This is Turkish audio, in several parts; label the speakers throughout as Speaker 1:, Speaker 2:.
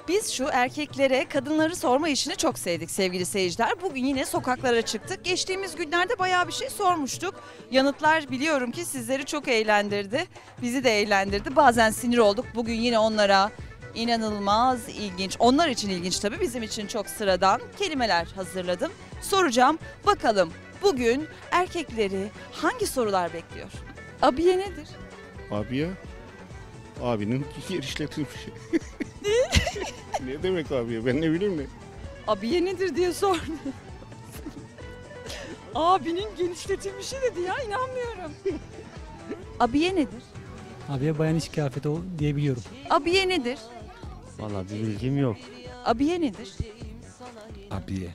Speaker 1: Biz şu erkeklere kadınları sorma işini çok sevdik sevgili seyirciler. Bugün yine sokaklara çıktık. Geçtiğimiz günlerde bayağı bir şey sormuştuk. Yanıtlar biliyorum ki sizleri çok eğlendirdi. Bizi de eğlendirdi. Bazen sinir olduk. Bugün yine onlara inanılmaz ilginç, onlar için ilginç tabii, bizim için çok sıradan kelimeler hazırladım. Soracağım, bakalım bugün erkekleri hangi sorular bekliyor? Abiye nedir?
Speaker 2: Abiye, abinin yer işletilmiş. Ne demek abiye, ben ne bileyim ne?
Speaker 1: Abiye nedir diye sordum. Abinin genişletilmişi dedi ya, inanmıyorum. Abiye nedir?
Speaker 3: Abiye bayan iş kıyafeti diyebiliyorum.
Speaker 1: Abiye nedir?
Speaker 4: Vallahi bir bilgim yok.
Speaker 1: Abiye nedir?
Speaker 5: Abiye.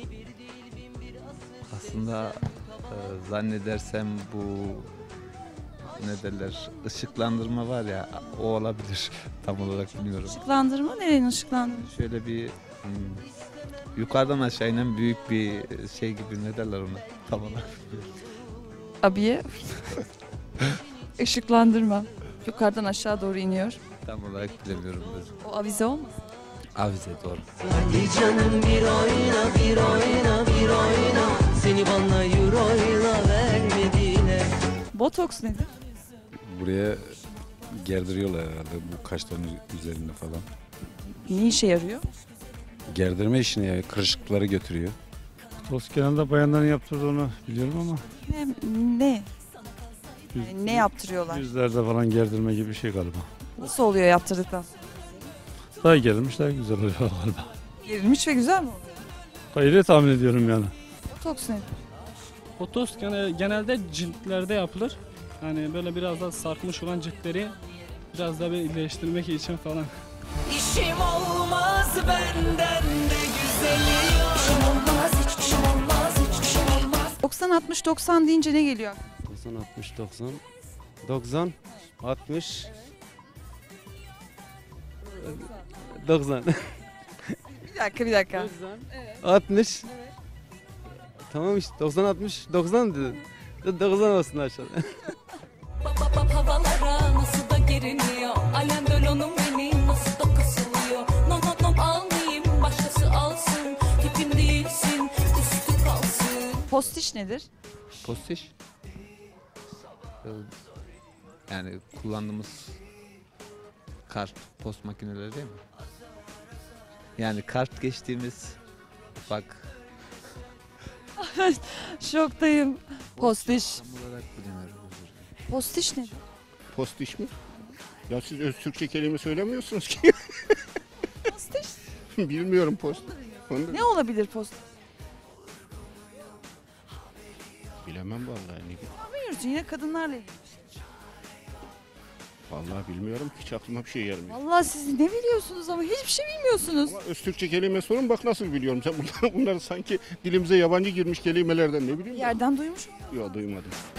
Speaker 5: Aslında zannedersem bu ne derler, ışıklandırma var ya, o olabilir. Tam olarak bilmiyorum.
Speaker 1: Işıklandırma, nerenin ışıklandırma?
Speaker 5: Şöyle bir yukarıdan aşağı inen büyük bir şey gibi, ne derler ona tam olarak bilmiyorum.
Speaker 1: Abiye. Işıklandırma. Yukarıdan aşağı doğru iniyor.
Speaker 5: Tam olarak bilemiyorum.
Speaker 1: O avize olmaz.
Speaker 5: Avize, doğru.
Speaker 6: Hadi canım bir oyna bir oyna bir oyna, seni bana euroyla vermediler.
Speaker 1: Botoks nedir?
Speaker 7: Buraya gerdiriyorlar herhalde bu kaşların üzerinde falan.
Speaker 1: Ne işe yarıyor?
Speaker 7: Gerdirme işini yani kırışıklıkları götürüyor.
Speaker 3: Tost genelde bayanların yaptırdığını biliyorum ama
Speaker 1: Ne? Yani ne yaptırıyorlar?
Speaker 3: yüzlerde falan gerdirme gibi bir şey galiba.
Speaker 1: Nasıl oluyor yaptırdıktan sonra?
Speaker 3: Daha gerilmiş daha güzel oluyor galiba.
Speaker 1: Gerilmiş ve güzel mi oluyor?
Speaker 3: Öyle tahmin ediyorum yani.
Speaker 1: Botoks nedir?
Speaker 8: Botoks genelde ciltlerde yapılır. Hani böyle biraz da sarkmış olan ciltleri biraz da bir iyileştirmek için falan.
Speaker 6: İşim olmaz benden de güzeli yok. İşim olmaz, hiçbir şey olmaz, hiçbir şey olmaz.
Speaker 1: 90-60-90 deyince ne geliyor?
Speaker 4: 90, 60, 90, 90, 60, 90,
Speaker 1: Bir dakika.
Speaker 4: 60. Tamam işte 90, 60, 90 dedin. 90 olsun aşağıda.
Speaker 6: Havalara nasıl da geriniyor. Alem bölonum benim nasıl da kasılıyor. Nom almayayım, başkası alsın. Tipim değilsin, üstü kalsın.
Speaker 1: Postiş nedir?
Speaker 5: Postiş. Yani kullandığımız kart post makineleri değil mi? Yani kart geçtiğimiz ufak.
Speaker 1: Şoktayım. Postiş.
Speaker 5: Tam olarak bilmiyorum. özür dilerim.
Speaker 1: Postiş nedir?
Speaker 2: Postiş mi? Ya siz öz Türkçe kelime söylemiyorsunuz ki.
Speaker 1: Postiş.
Speaker 2: Bilmiyorum post. Onu da
Speaker 1: Ne olabilir postiş?
Speaker 2: bilemem vallahi. Ne,
Speaker 1: Bilmiyorsun, yine kadınlarla ilgili.
Speaker 2: vallahi bilmiyorum, hiç aklıma bir şey gelmiyor.
Speaker 1: Allah, siz ne biliyorsunuz ama hiçbir şey bilmiyorsunuz.
Speaker 2: Ama öz Türkçe kelime sorun, bak nasıl biliyorum. Sen bunları sanki dilimize yabancı girmiş kelimelerden ne
Speaker 1: Bir
Speaker 2: bileyim.
Speaker 1: yerden duymuşum.
Speaker 2: Yok, duymadım.